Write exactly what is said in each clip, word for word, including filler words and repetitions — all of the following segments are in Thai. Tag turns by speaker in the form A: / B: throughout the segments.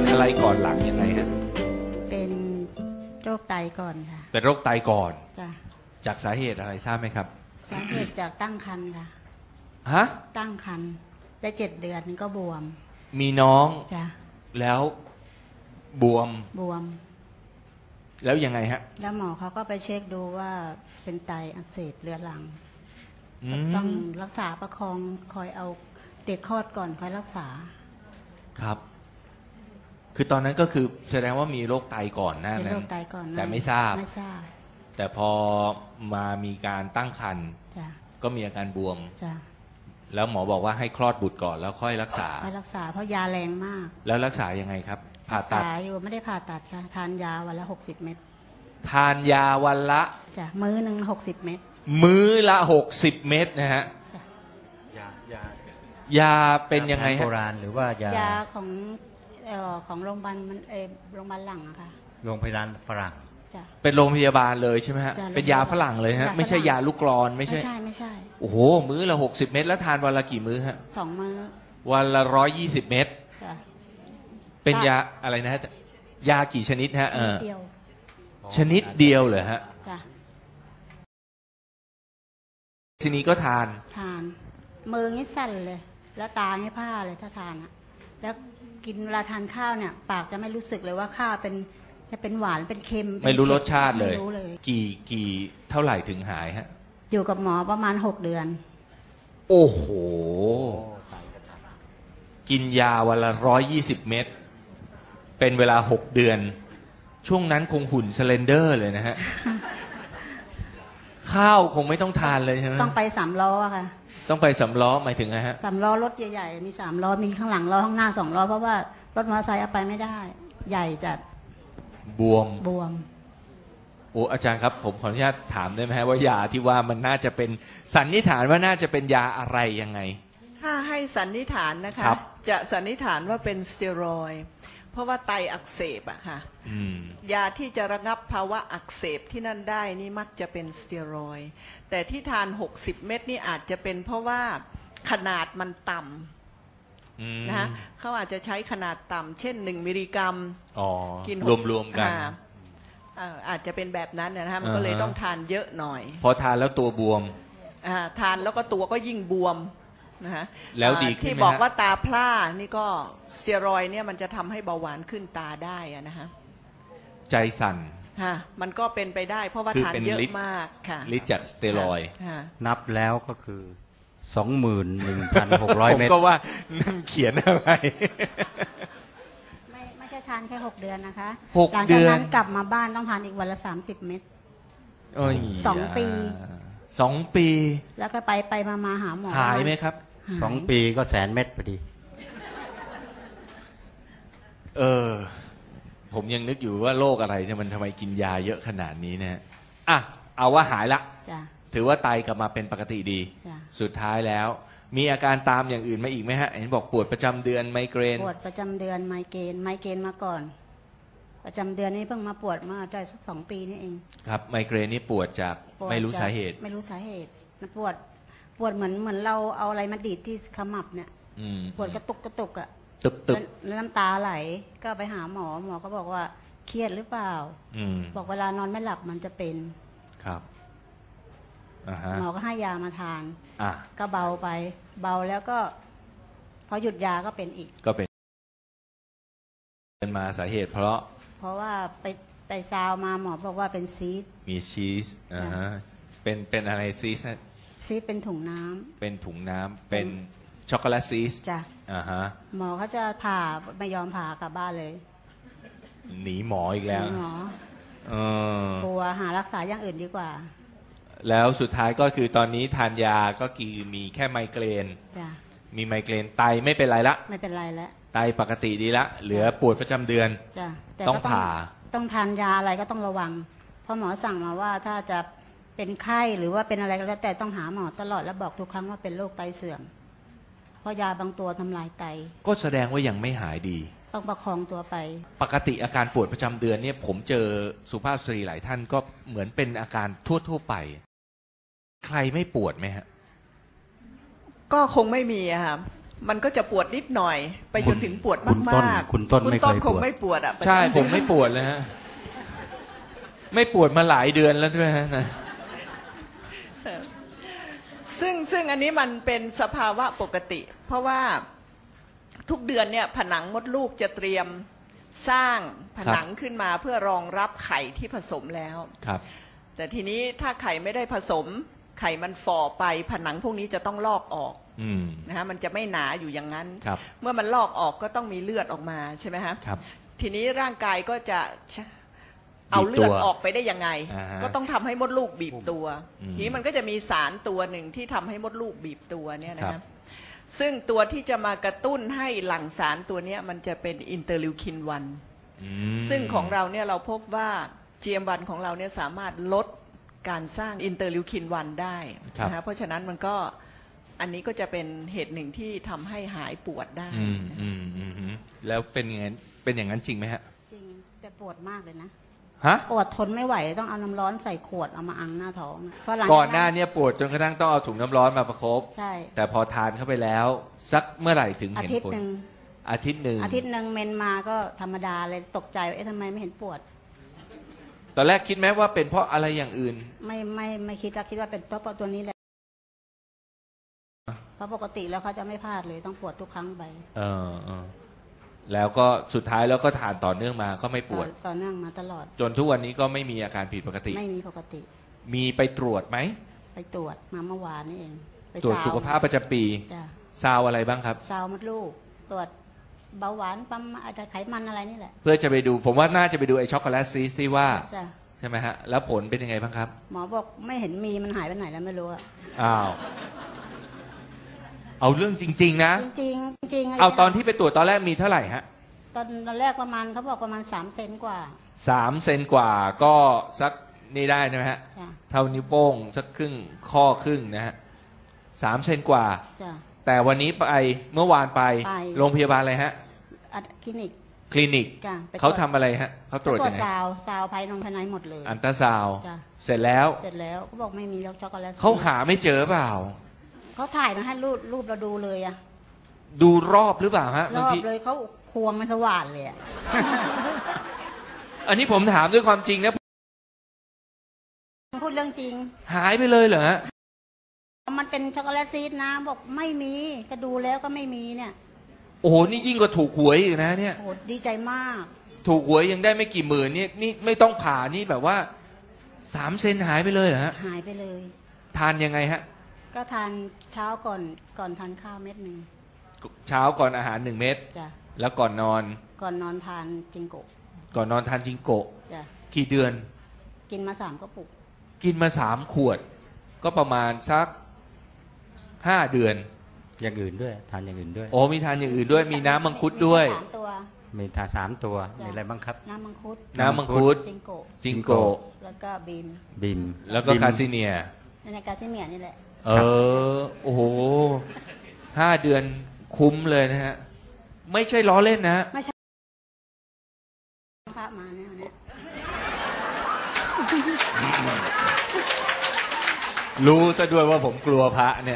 A: เป็นอะไรก่อนหลังยังไงฮะ
B: เป็นโรคไตก่อนค่ะ
A: เป็นโรคไตก่อน
B: จ้ะ
A: จากสาเหตุอะไรทราบไหมครับ
B: สาเหตุจากตั้งครรภ์ค่ะ
A: ฮะ
B: ตั้งครรภ์ได้เจ็ดเดือนก็บวม
A: มีน้อง
B: จ้ะ
A: แล้วบวม
B: บวม
A: แล้วยังไงฮะ
B: แล้วหมอเขาก็ไปเช็คดูว่าเป็นไตอักเสบเรื้อรังต้องรักษาประคองคอยเอาเด็กคลอดก่อนคอยรักษา
A: ครับคือตอนนั้นก็คือแสดงว่ามีโรคไตก่อนหน้านั้นแต่ไม่ทราบ
B: ไม่ทราบ
A: แต่พอมามีการตั้งครรภ์ก็มีอาการบวมแล้วหมอบอกว่าให้คลอดบุตรก่อนแล้วค่อยรักษา
B: ค่อยรักษาเพราะยาแรงมาก
A: แล้วรักษายังไงครับผ่าตัด
B: อยู่ไม่ได้ผ่าตัดค่ะทานยาวันละหกสิบเม็ด
A: ทานยาวันละ
B: จ้ะมื้อหนึ่งหกสิบเม็ด
A: มื้อละหกสิบเม็ดนะฮะยายายาเป็นยังไงฮะ
C: โบราณหรือว่ายาย
B: าของเอ่อของโรงพยาบาลมันเออโรงพยาบาลหลังอะค่ะ
C: โรงพยาบาลฝรั่ง
A: เป็นโรงพยาบาลเลยใช่ไหมฮะเป็นยาฝรั่งเลยฮะไม่ใช่ยาลูกกรอนไม่ใช่
B: ไม่ใช่ไม่ใช่
A: โอ้โหมื้อละหกสิบเม็ดแล้วทานวันละกี่มื้อฮะ
B: สองมื้อ
A: วันละร้อยยี่สิบเม็ดเป็นยาอะไรนะฮะยากี่ชนิดฮะเออชนิดเดียวเหรอฮะทีนี้ก็ทาน
B: ทานมืองี้สั่นเลยแล้วตางี้ผ้าเลยถ้าทานอะแล้วกินเวลาทานข้าวเนี่ยปากจะไม่รู้สึกเลยว่าข้าวเป็นจะเป็นหวานเป็นเค็ม
A: ไม่รู้รสชาติเลยกี่กี่เท่าไหร่ถึงหายฮะ
B: อยู่กับหมอประมาณหกเดือน
A: โอ้โหกินยาวันละร้อยยี่สิบเม็ดเป็นเวลาหกเดือนช่วงนั้นคงหุ่นสเลนเดอร์เลยนะฮะข้าวคงไม่ต้องทานเลยใช่ไหม
B: ต้องไปสามล้อค่ะ
A: ต้องไปสามล้อหมายถึงไงฮะ
B: สามล้อรถใหญ่ๆมีสามล้อมีข้างหลังล้อข้างหน้าสองล้อเพราะว่ารถมอเตอร์ไซค์เอาไปไม่ได้ใหญ่จัด
A: บวม
B: บวม
A: โอ้อาจารย์ครับผมขออนุญาตถามได้ไหมฮะว่ายาที่ว่ามันน่าจะเป็นสันนิษฐานว่าน่าจะเป็นยาอะไรยังไง
D: ถ้าให้สันนิษฐานนะคะจะสันนิษฐานว่าเป็นสเตียรอยด์เพราะว่าไตอักเสบอะค่ะยาที่จะระงับภาวะอักเสบที่นั่นได้นี่มักจะเป็นสเตียรอยด์แต่ที่ทานหกสิบเม็ดนี่อาจจะเป็นเพราะว่าขนาดมันต่ำนะคะเขาอาจจะใช้ขนาดต่ำเช่นหนึ่งมิลลิกรัม
A: กินรวมๆกัน
D: อาจจะเป็นแบบนั้นนะคะมันก็เลยต้องทานเยอะหน่อย
A: พอทานแล้วตัวบวม
D: ทานแล้วก็ตัวก็ยิ่งบวมนะคะ
A: แล้วดีขึ้นไหมฮะ
D: ที่บอกว่าตาพร่านี่ก็สเตียรอยด์เนี่ยมันจะทำให้เบาหวานขึ้นตาได้อะนะคะ
A: ใจสั่น
D: ฮะมันก็เป็นไปได้เพราะว่าทานเยอะมากค่ะ
A: ฤทธิ์จากสเตียรอยด์
C: นับแล้วก็คือสองหมื่นหนึ่งพันหกร้อยเมตร
A: ผมก็ว่านั่นเขียนอะไร
B: ไม่ไม่ใช่ทานแค่หกเดือนนะคะ
A: หกเดือน
B: หลังจากนั้นกลับมาบ้านต้องทานอีกวันละสามสิบเม็ดสองปี
A: สองปี
B: แล้วก็ไปไปมามาหาหมอ
A: หายไหมครับ
C: สองปีก็แสนเม็ดพอดี
A: เออผมยังนึกอยู่ว่าโรคอะไรที่มันทำไมกินยาเยอะขนาดนี้เนี่ยอ่ะเอาว่าหายละถือว่าไตกลับมาเป็นปกติดีสุดท้ายแล้วมีอาการตามอย่างอื่นมาอีกไหมฮะเห็นบอกปวดประจำเดือนไมเกรน
B: ปวดประจำเดือนไมเกรนไมเกรนมาก่อนประจำเดือนนี้เพิ่งมาปวดมาได้สักสองปีนี่เอง
A: ครับไมเกรนนี่ปวดจากไม่รู้สาเหตุ
B: ไม่รู้สาเหตุมันปวดปวดเหมือนเหมือนเราเอาอะไรมาดีดที่ขมับเนี่ยปวดกระตุกกระตุกอ่ะ
A: ตึบตึบ
B: น้ำตาไหลก็ไปหาหมอหมอก็บอกว่าเครียดหรือเปล่าบอกเวลานอนไม่หลับมันจะเป็น
A: ครับ
B: หมอก็ให้ยามาทานก็เบาไปเบาแล้วก็พอหยุดยาก็เป็นอีก
A: ก็เป็นเป็นมาสาเหตุเพราะ
B: เพราะว่าไปไปซาวมาหมอบอกว่าเป็นซีส
A: มีชีสอ่าฮะเป็นเป็นอะไรซีส
B: ซีสเป็นถุงน้ำ
A: เป็นถุงน้ำเป็นช็อกโกแลตซีส
B: จ้ะ
A: อ่าฮะ
B: หมอเขาจะผ่าไม่ยอมผ่ากลับบ้านเลย
A: หนีหมออีกแล้ว
B: หมอเออกลัวหารักษาอย่างอื่นดีกว่า
A: แล้วสุดท้ายก็คือตอนนี้ทานยาก็คือมีแค่ไมเกรนมีไมเกรนไตไม่เป็นไรละ
B: ไม่เป็นไรแล้ว
A: ไตปกติดีละเหลือปวดประจำเดือนต้องผ่า
B: ต้องทานยาอะไรก็ต้องระวังเพราะหมอสั่งมาว่าถ้าจะเป็นไข้หรือว่าเป็นอะไรก็แล้วแต่ต้องหาหมอตลอดแล้วบอกทุกครั้งว่าเป็นโรคไตเสื่อมเพราะยาบางตัวทำลายไต
A: ก็แสดงว่ายังไม่หายดี
B: ต้องประคองตัวไป
A: ปกติอาการปวดประจำเดือนเนี่ยผมเจอสุภาพสตรีหลายท่านก็เหมือนเป็นอาการทั่วๆไปใครไม่ปวดไหมฮะ
D: ก็คงไม่มีอะค่ะมันก็จะปวดนิดหน่อยไปจนถึงปวด
C: คุณต้น
D: มากๆ
C: คุณต้นไม่เคย
D: ค
C: ป
D: ง
C: วด
D: ไม่ปวดอ่ะ
A: ใช่ผมไม่ปวดเลยฮะไม่ปวดมาหลายเดือนแล้วด้วยฮะนะ
D: ซึ่งซึ่งอันนี้มันเป็นสภาวะปกติ เพราะว่าทุกเดือนเนี่ยผนังมดลูกจะเตรียมสร้างผนังขึ้นมาเพื่อรองรับไข่ที่ผสมแล้ว
A: ครับ
D: แต่ทีนี้ถ้าไข่ไม่ได้ผสมไข่มันฝ่อไปผนังพวกนี้จะต้องลอกออกนะฮะมันจะไม่หนาอยู่อย่างนั้นเมื่อมันลอกออกก็ต้องมีเลือดออกมาใช่ไหมฮะทีนี้ร่างกายก็จะเอาเลือดออกไปได้ยังไงก็ต้องทำให้มดลูกบีบตัวทีนี้มันก็จะมีสารตัวหนึ่งที่ทำให้มดลูกบีบตัวเนี่ยนะซึ่งตัวที่จะมากระตุ้นให้หลั่งสารตัวนี้มันจะเป็นอินเตอร์ลิวคินวันซึ่งของเราเนี่ยเราพบว่า จี เอ็ม วัน ของเราเนี่ยสามารถลดการสร้างอินเตอร์ลิวคินวันได้นะฮะเพราะฉะนั้นมันก็อันนี้ก็จะเป็นเหตุหนึ่งที่ทำให้หายปวดได้
A: แล้วเป็นอย่างนั้นเป็นอย่างนั้นจริงไหมฮะ
B: จริงแต่ปวดมากเลยนะ
A: ฮะ
B: ปวดทนไม่ไหวต้องเอาน้ำร้อนใส่ขวดเอามาอังหน้าท้อง
A: ก่อนหน้านี้ปวดจนกระทั่งต้องเอาถุงน้ำร้อนมาประคบ
B: ใช่
A: แต่พอทานเข้าไปแล้วสักเมื่อไหร่ถึงเห็นผล
B: อาทิตย์หนึ่ง
A: อาทิตย์หนึ่ง
B: อาทิตย์หนึ่งเมนมาก็ธรรมดาเลยตกใจว่าเอ๊ะทำไมไม่เห็นปวด
A: ตอนแรกคิดไหมว่าเป็นเพราะอะไรอย่างอื่น
B: ไม่ไม่ไม่คิดแล้วคิดว่าเป็นเพราะตัวนี้แหละเพราะปกติแล้วเขาจะไม่พลาดเลยต้องปวดทุกครั้งไป
A: เออเออแล้วก็สุดท้ายแล้วก็ทานต่อเนื่องมาก็ไม่ปวด
B: ต่อเนื่องมาตลอด
A: จนทุกวันนี้ก็ไม่มีอาการผิดปกติ
B: ไม่มีปกติ
A: มีไปตรวจไหม
B: ไปตรวจมาเมื่อวานนี่เอง
A: ตรวจสุขภาพประจำปีซาวอะไรบ้างครับ
B: ซาวมดลูกตรวจเบาหวานปั๊มอะไรไขมันอะไรนี่แหละ
A: เพื่อจะไปดูผมว่าน่าจะไปดูไอช็อกโกแลตซีสที่ว่าใช่ไหมฮะแล้วผลเป็นยังไงบ้างครับ
B: หมอบอกไม่เห็นมีมันหายไปไหนแล้วไม่รู้อะ
A: อ้าวเอาเรื่องจริงๆนะ
B: จริงจริง
A: เอาตอนที่ไปตรวจตอนแรกมีเท่าไหร่ฮะ
B: ตอนตอนแรกประมาณเขาบอกประมาณสามเซนกว่า
A: สามเซนกว่าก็สักนี่ได้นะฮะเท่านิ้วโป้งสักครึ่งข้อครึ่งนะฮะสามเซนกว่าแต่วันนี้ไปเมื่อวานไปโรงพยาบาลอะไรฮะ
B: คลินิก
A: คลินิกเขาทำอะไรฮะเขาตรวจยังไง
B: ซาวซาวภายในภายในหมดเลย
A: อันตราซาวเสร็จแล้ว
B: เสร็จแล้วเขาบอกไม่มีช็อกโกแลต
A: เขาหาไม่เจอเปล่า
B: เขาถ่ายมาให้รูปรูปเราดูเลยอะ
A: ดูรอบหรือเปล่าฮะ
B: รอบเลยเขาควงมันสว่านเลยอะ
A: อันนี้ผมถามด้วยความจริงนะ
B: พูดเรื่องจริง
A: หายไปเลยเหรอฮะ
B: มันเป็นช็อกโกแลตซีดนะบอกไม่มีก็ดูแล้วก็ไม่มีเนี่ย
A: โอ้โหนี่ยิ่งกว่าถูกหวยอีกนะเนี่ย
B: โอ้ดีใจมาก
A: ถูกหวยยังได้ไม่กี่หมื่นนี่นี่ไม่ต้องผ่านี่แบบว่าสามเซนหายไปเลยเหรอฮะ
B: หายไปเลย
A: ทานยังไงฮะ
B: ก็ทานเช้าก่อนก่อนทานข้าวเม็ดหนึ่ง
A: เช้าก่อนอาหารหนึ่งเม็ด
B: จ้ะ
A: แล้วก่อนนอน
B: ก่อนนอนทานจิงโกะ
A: ก่อนนอนทานจิงโกะ
B: จ้ะ
A: กี่เดือน
B: กินมาสามกระปุก
A: กินมาสามขวดก็ประมาณสักห้าเดือน
C: อย่างอื่นด้วยทานอย่างอื่นด้วย
A: โอ้มีทานอย่างอื่นด้วยมีน้ำมังคุดด้วย
C: มีทานสามตัวมีอะไรบ้างครับ
B: น้ำมังคุด
A: น้ำมังคุด
B: จิงโกะ
A: จิงโกะ
B: แล้วก็บีม
C: บีม
A: แล้วก็คาซิเนีย
B: ในคาซิเนียนี่แหละ
A: เออโอ้โหห้าเดือนคุ้มเลยนะฮะไม่ใช่ล้อเล่นนะ
B: ไม่ใช่พระมาเนี่ยเนี่ย
A: รู้ซะด้วยว่าผมกลัวพระเนี่ย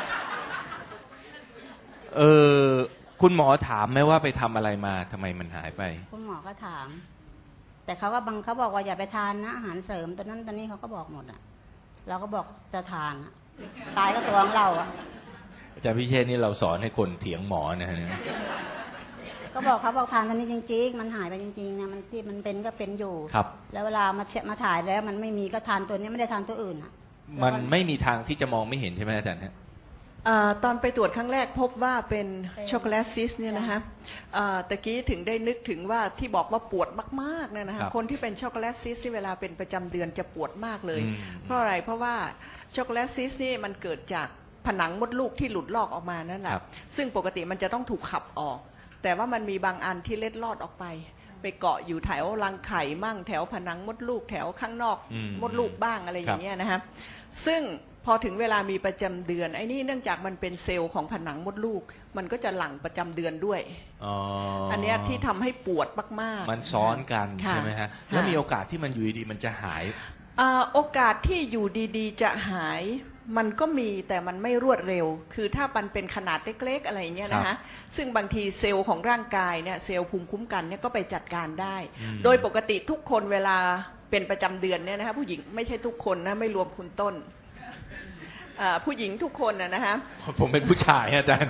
A: เออคุณหมอถามไหมว่าไปทำอะไรมาทำไมมันหายไป
B: คุณหมอก็ถามแต่เขาก็บังเขาบอกว่าอย่าไปทานนะอาหารเสริมตอนนั้นตอนนี้เขาก็บอกหมดอ่ะเราก็บอกจะทานอ่ะตายก็ตัวของเราอ่ะ
A: อาจารย์พิเชษนี่เราสอนให้คนเถียงหมอนะฮะ
B: ก็บอกเขาบอกทานตอนนี้จริงๆมันหายไปจริงๆนะมันที่มันเป็นก็เป็นอยู่
A: ครับ
B: แล้วเวลามาเช็คมาถ่ายแล้วมันไม่มีก็ทานตัวนี้ไม่ได้ทานตัวอื่นอ่ะ
A: มันไม่มีทางที่จะมองไม่เห็นใช่ไหมอาจารย์ฮะ
D: ตอนไปตรวจครั้งแรกพบว่าเป็นช็อกโกแลตซิสเนี่ยนะฮะตะกี้ถึงได้นึกถึงว่าที่บอกว่าปวดมากๆเนี่ยนะฮะคนที่เป็นช็อกโกแลตซิสที่เวลาเป็นประจำเดือนจะปวดมากเลยเพราะอะไรเพราะว่าช็อกโกแลตซิสนี่มันเกิดจากผนังมดลูกที่หลุดลอกออกมานั่นแหละซึ่งปกติมันจะต้องถูกขับออกแต่ว่ามันมีบางอันที่เล็ดลอดออกไปไปเกาะอยู่แถวรังไข่มั่งแถวผนังมดลูกแถวข้างนอกมดลูกบ้างอะไรอย่างเงี้ยนะฮะซึ่งพอถึงเวลามีประจำเดือนไอ้นี่เนื่องจากมันเป็นเซลล์ของผนังมดลูกมันก็จะหลั่งประจำเดือนด้วย
A: อ๋อ
D: อันนี้ที่ทำให้ปวดมาก
A: ๆมันซ้อนกันใช่ไหมฮะแล้วมีโอกาสที่มันอยู่ดีๆมันจะหาย
D: โอกาสที่อยู่ดีๆจะหายมันก็มีแต่มันไม่รวดเร็วคือถ้ามันเป็นขนาดเล็กๆอะไรเงี้ยนะคะซึ่งบางทีเซลล์ของร่างกายเนี่ยเซลล์ภูมิคุ้มกันเนี่ยก็ไปจัดการได้ โดยปกติทุกคนเวลาเป็นประจำเดือนเนี่ยนะคะผู้หญิงไม่ใช่ทุกคนนะไม่รวมคุณต้นผู้หญิงทุกคนนะนะคะ
A: ผมเป็นผู้ชายอาจารย์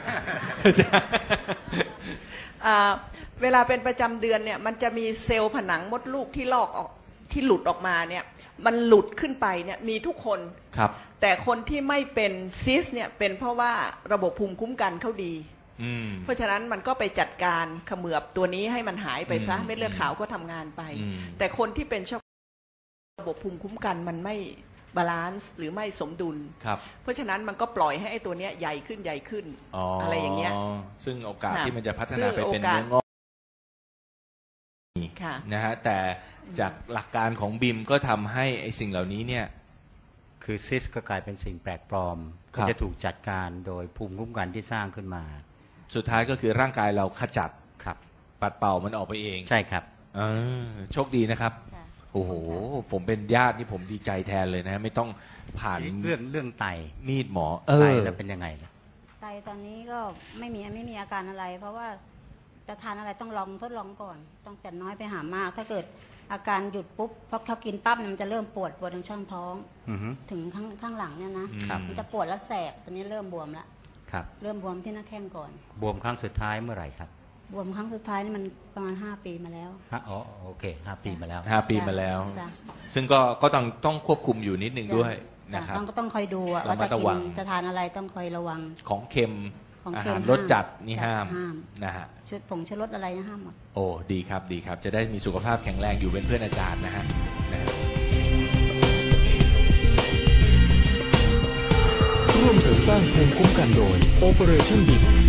D: เวลาเป็นประจำเดือนเนี่ยมันจะมีเซลล์ผนังมดลูกที่ลอกออกที่หลุดออกมาเนี่ยมันหลุดขึ้นไปเนี่ยมีทุกคน
A: ครับ
D: แต่คนที่ไม่เป็นซิสเนี่ยเป็นเพราะว่าระบบภูมิคุ้มกันเขาดีเพราะฉะนั้นมันก็ไปจัดการเขมือบตัวนี้ให้มันหายไปซะเม็ดเลือดขาวก็ทำงานไปแต่คนที่เป็นช็อกระบบภูมิคุ้มกันมันไม่บาลานซ์หรือไม่สมดุลเพราะฉะนั้นมันก็ปล่อยให้ไอ้ตัวเนี้ยใหญ่ขึ้นใหญ่ขึ้น
A: อ
D: อะไรอย่างเงี้ย
A: ซึ่งโอกาสที่มันจะพัฒนาไปเป็นเนื้องอกนะฮะแต่จากหลักการของบิมก็ทำให้ไอ้สิ่งเหล่านี้เนี่ย
C: คือซิสก็กลายเป็นสิ่งแปลกปลอมก็จะถูกจัดการโดยภูมิคุ้มกันที่สร้างขึ้นมา
A: สุดท้ายก็คือร่างกายเราขจัด
C: ครับ
A: ปัดเป่ามันออกไปเอง
C: ใช่ครับ
A: เออโชคดีนะครับโอ้โหผมเป็นญาตินี่ผมดีใจแทนเลยนะไม่ต้องผ่าน
C: เรื่องเรื่องไต
A: มีดหมอ
C: ไตแล้วเป็นยังไงล่ะ
B: ไตตอนนี้ก็ไม่มีไม่มีอาการอะไรเพราะว่าจะทานอะไรต้องลองทดลองก่อนต้องแต่น้อยไปหามากถ้าเกิดอาการหยุดปุ๊บพอเขากินปั๊บมันจะเริ่มปวดปวดทางช่องท้องถึงข้างข้างหลังเนี่ยนะมันจะปวดแล้วแสบตอนนี้เริ่มบวมแล้วเริ่มบวมที่หน้าแข้งก่อน
C: บวมครั้งสุดท้ายเมื่อไหร่ครับ
B: บวมครั้งสุดท้ายนี่มันประมาณห้าปีมาแล้ว
C: ฮะอ๋อโอเคห้าปีมาแล้ว
A: ห้าปีมาแล้วซึ่งก็ก็ต้องต้องควบคุมอยู่นิดนึงด้วยนะครับ
B: ต้องต้องคอยดูว่าจะกินจะทานอะไรต้องคอยระวัง
A: ของเค็มอาหารรสจัดนี่ห้ามนะฮะ
B: ชุดผงชูรสอะไรห้ามหมด
A: โอ้ดีครับดีครับจะได้มีสุขภาพแข็งแรงอยู่เป็นเพื่อนอาจารย์นะฮะ
E: ร่วมเสริมสร้างภูมิคุ้มกันโดย Operation B